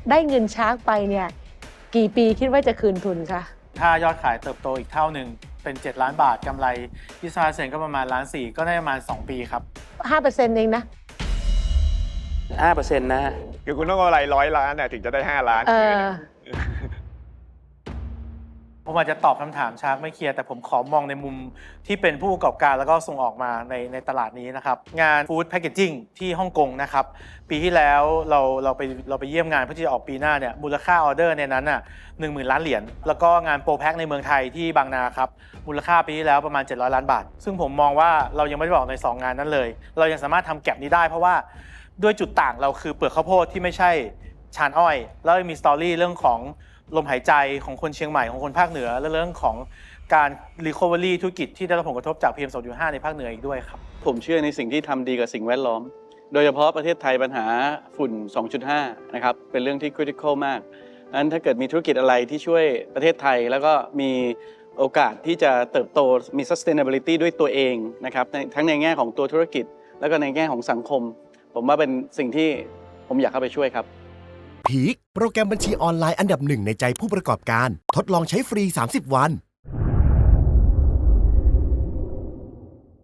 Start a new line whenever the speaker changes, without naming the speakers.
ได้เงินชาร์กไปเนี่ยกี่ปีคิดว่าจะคืนทุนคะ
ถ้ายอดขายเติบโตอีกเท่าหนึ่งเป็น7 ล้านบาทกำไร25%ก็ประมาณ1.4 ล้านก็ได้ประมาณ2 ปีครับ
5%เองนะ
5%นะฮะ
คือคุณต้องเอาอะไร100 ล้านถึงจะได้5 ล้านคืน
ผมอาจจะตอบคำถามชาร์กไม่เคลียร์แต่ผมขอมองในมุมที่เป็นผู้ประกอบการแล้วก็ส่งออกมาในตลาดนี้นะครับงานฟู้ดแพคเกจจิ้งที่ฮ่องกงนะครับปีที่แล้วเราไปเยี่ยมงานเพื่อที่จะออกปีหน้าเนี่ยมูลค่าออเดอร์ในนั้นน่ะ10,000 ล้านเหรียญแล้วก็งานโปรแพ็คในเมืองไทยที่บางนาครับมูลค่าปีที่แล้วประมาณ700 ล้านบาทซึ่งผมมองว่าเรายังไม่ได้บอกใน2 งานนั้นเลยเรายังสามารถทำแก็ปนี้ได้เพราะว่าด้วยจุดต่างเราคือเปลือกข้าวโพดที่ไม่ใช่ชานอ้อยแล้วมีสตอรี่เรื่องของลมหายใจของคนเชียงใหม่ของคนภาคเหนือและเรื่องของการ recovery ธุรกิจที่ได้รับผลกระทบจาก PM 2.5 ในภาคเหนืออีกด้วยครับ
ผมเชื่อในสิ่งที่ทำดีกับสิ่งแวดล้อมโดยเฉพาะประเทศไทยปัญหาฝุ่น 2.5 นะครับเป็นเรื่องที่ critical มากงั้นถ้าเกิดมีธุรกิจอะไรที่ช่วยประเทศไทยแล้วก็มีโอกาสที่จะเติบโตมี sustainability ด้วยตัวเองนะครับทั้งในแง่ของตัวธุรกิจแล้วก็ในแง่ของสังคมผมว่าเป็นสิ่งที่ผมอยากเข้าไปช่วยครับ
พีคโปรแกรมบัญชีออนไลน์อันดับ 1ในใจผู้ประกอบการทดลองใช้ฟรี30 วัน